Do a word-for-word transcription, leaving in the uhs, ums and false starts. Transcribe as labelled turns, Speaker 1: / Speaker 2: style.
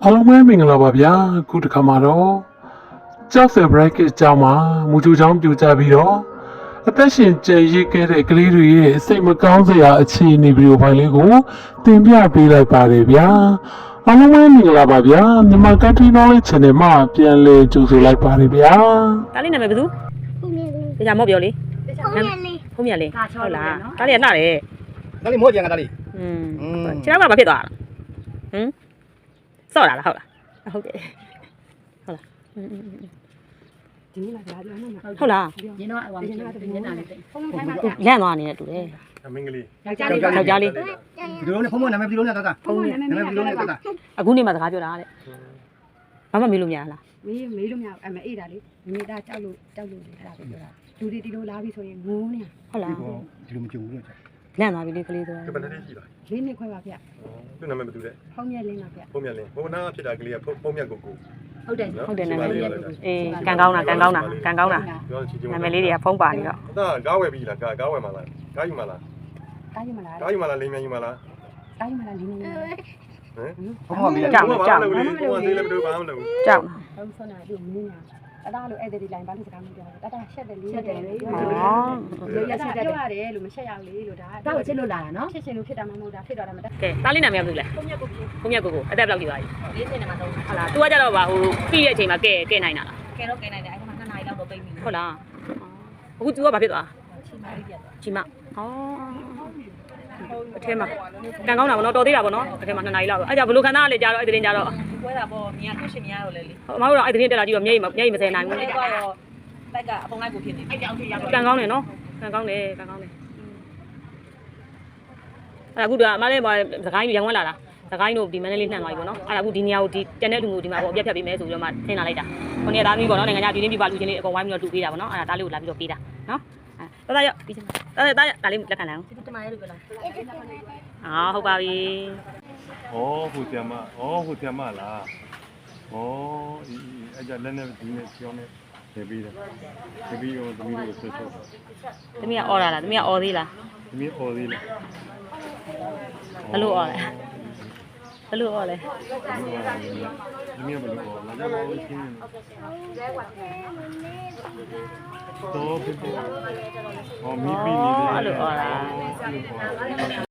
Speaker 1: အားလုံးပဲမင်္ဂလာပါဗျာခုတစ်ခါမှာတော့ကြောက်စဲ bracket အကြောင်းမှာမူချိုချောင်းပြကြပြီးတော့အသက်ရှင်ကျန်ရစ်ခဲ့တဲ့ကလေးတွေရဲ့စိတ်မကောင်းစရာအခြေအနေဗီဒီယိုဖိုင်လေးကိုတင်ပြပေးလိုက်ပါတယ်ဗျာအားလုံးပဲမင်္ဂလာပါဗျာမြန်မာ Country Knowledge Channel မှာပြန်လည်ကြိုဆိုလိုက်ပါတယ်ဗျာ
Speaker 2: တားလေးနာမည်ဘယ်သူ
Speaker 3: ဖုန်မြလေး
Speaker 2: တခြားမော့ပြောလေ
Speaker 3: ဖုန်မြလေး
Speaker 2: ဖုံးမြလေးဟုတ်လားတားလေးကနှတယ်
Speaker 4: ဒါလေးမော့ကြံကဒါလေး
Speaker 2: อืมခြေထောက်ကဘာဖြစ်သွားတာဟမ်စော့တာလားဟုတ်လားဟုတ်တယ်ဟုတ်လားဒီနေ့မှကြာပြောနေမှာဟုတ်လား
Speaker 5: ရင်းတော့ဟိုမျက်နှာမျက်နှာလေးတိတ်
Speaker 3: ဖုန်ထိုင်းမှာ
Speaker 2: လန့်သွားနေတဲ့တူတယ်
Speaker 4: မင်္ဂလေး
Speaker 5: ယောက်ျားလေး
Speaker 2: ယောက်ျားလေး
Speaker 4: ဒီလိုနဲ့ဖုန်းမနာမည်ဒီလိုနဲ့တာတာ
Speaker 3: ဖုန်မြနာမည်
Speaker 4: နာမည်ဒီလိုနဲ့တာတာ
Speaker 2: အခုနေမှစကားပြောတာတဲ့ဘာမှမေးလို့မရလား
Speaker 5: မေးမေးလို့မရအမအေးတာလေမိသားကြောက်လို့ကြောက်လို့အဲ့ဒါပဲပြောတာလူတွေဒီလိုလာပြီဆိုရင်ငိုးနေ
Speaker 2: ဟုတ်လား
Speaker 4: ဒီလိုမကြုံဘူးလို့ချက်
Speaker 2: လန့်သွားပြီလေကလေးဆို
Speaker 4: ဒီဘယ်နဲ့ရှိပါ
Speaker 5: လေးနှစ်ခွဲပါဗျ
Speaker 4: သူ့နာမည်ဘယ်သူလဲ
Speaker 5: ဖုန်းမြက်လေးပါဗျ
Speaker 4: ဖုန်းမြတ်လင်းဘုံနာဖြစ်တာကလေးကဖုန်းမြတ်ကိုကို
Speaker 5: ဟုတ်တယ်
Speaker 2: ဟုတ်တယ်နာမည်လေးအေးကန်ကောင်းတာကန်ကောင်းတာကန်ကောင်းတာ
Speaker 4: ပြောချင်ချင်
Speaker 2: နာမည်လေးတွေကဖုံးပါနေတော့
Speaker 4: ဒါကားဝယ်ပြီလားကားကားဝယ်မှာလားကားယူမှာလား
Speaker 5: တားယူမလား
Speaker 4: ကားယူမှာလားလိမ်မြန်ယူမှာလား
Speaker 5: တားယူမလားလေးနေနေ
Speaker 4: ဟမ်ဖုန်းမပြီးလားဖုန်းမသေးလည်းမတို့ဘာမှမလုပ်ဘူး
Speaker 2: ကြောက်
Speaker 5: ဟုတ်ဆုံးတာဒီမင်းညာတတားလို့အဲ့ဒီလိုင်းဘာလို့စကားမပြောလဲတတားရှက်တယ်လေးရှက်တယ်လေ
Speaker 2: ဩ
Speaker 5: လို့ရချက်ပြောရတယ်လို့မရှက်ရဘူးလေလို့ဒါဒါကိုချစ်လို့လာတာနော်ဖြစ်ရှင်လို့ဖြစ်တာမဟုတ်တာဖြစ်တော့တာမတတ်
Speaker 2: ကဲတားလေးနာမည်ကဘယ်သူလဲ
Speaker 5: ဖုန်းမြက်ကို
Speaker 2: ဖုံးမြတ်ကိုကိုအသက်ဘယ်လောက်ကြီးပါလဲ
Speaker 5: လေးစင်နေမှာတော့
Speaker 2: ဟုတ်လား तू ကကြတော့ဗာဟိုပြီးတဲ့အချိန်မှာကဲကဲနိုင်တာလား
Speaker 5: ကဲတော့ကဲနိုင်တယ်အဲ့မှာနှစ်နာရီလောက်တော့ပိတ်ပြီ
Speaker 2: ဟုတ်လားအခု तू ကဘာဖြစ်သွား
Speaker 5: ချီမာလေးပြတ်သွား
Speaker 2: ချီမဩအထဲမှာကန်ကောင်းတာဗောနော်တော်သေးတာဗောနော်အထဲမှာနှစ်နာရီလောက်ပဲအဲ့ကြဘလို့ခန္ဓာကလည်းကြာတော့အဲ့တဲ့တင်ကြာတော့
Speaker 5: ကွဲတာပေါ့မြင်ရသူ့ရှင်မြင်ရတော့လေလေ
Speaker 2: အမတို့တော့အဲ့တဲ့တင်တက်လာကြည့်တော့မျက်ရည်မျက်ရည်မစဲနိုင်ဘူး
Speaker 5: အဲ့တော့လိုက်ကအပုံလိုက်ကိုဖြစ်နေအဲ့ကြောင့်ဖြစ်ရတော့
Speaker 2: ကန်ကောင်းတယ်နော်ကန်ကောင်းတယ်ကန်ကောင်းတယ်အဲ့အခုကအမလေးစကိုင်းရံဝဲလာတာစကိုင်းတို့ဒီမန္တလေးနှံ့သွားပြီဗောနော်အဲ့ဒါအခုဒီနေရာကိုဒီတန်တဲ့လူကိုဒီမှာဗောအပြတ်ဖြတ်ပေးမယ်ဆိုပြီးတော့မှထင်လာလိုက်တာခုနေ့သားသမီးဗောနော်နိုင်ငံခြားပြည်တွင်းပြည်ပလူချင်းလေးအကုန်ဝိုင်းပြီးတော့တူပေးတာဗောနော်အဲ့ဒါသားလေးကိုလာပြီးတော့ပေးတာနော်အဲ့ဒါရပြီးချင်းဒါဒါဒါလေးလက်ခံလိုက်အောင်
Speaker 5: ဒီတမရဲလို့ပြောလား
Speaker 2: အော်ဟုတ်ပါပြီ
Speaker 4: ဩဟိုဆီယမဩဟိုဆီယမလားဩအဲ့ကြလက်နဲ့ဒီနဲ့ချောင်းနဲ့နေပြီးတယ်နေပြီးတော့သမီးတို့ဆွဆွ
Speaker 2: သမီးကအော်လာလားသမီးကအော်သေးလား
Speaker 4: သမီးအော်သေးလား
Speaker 2: ဘလို့အော်လဲဘလို့အော်လဲ
Speaker 4: သမီးကဘယ်လိုအော်လာကြပါဦးရှင်းတော့ဘယ်လိုအော်မီပီနေတယ်
Speaker 2: အဲ့လိုအော်လား
Speaker 4: အဲ့လိုအော်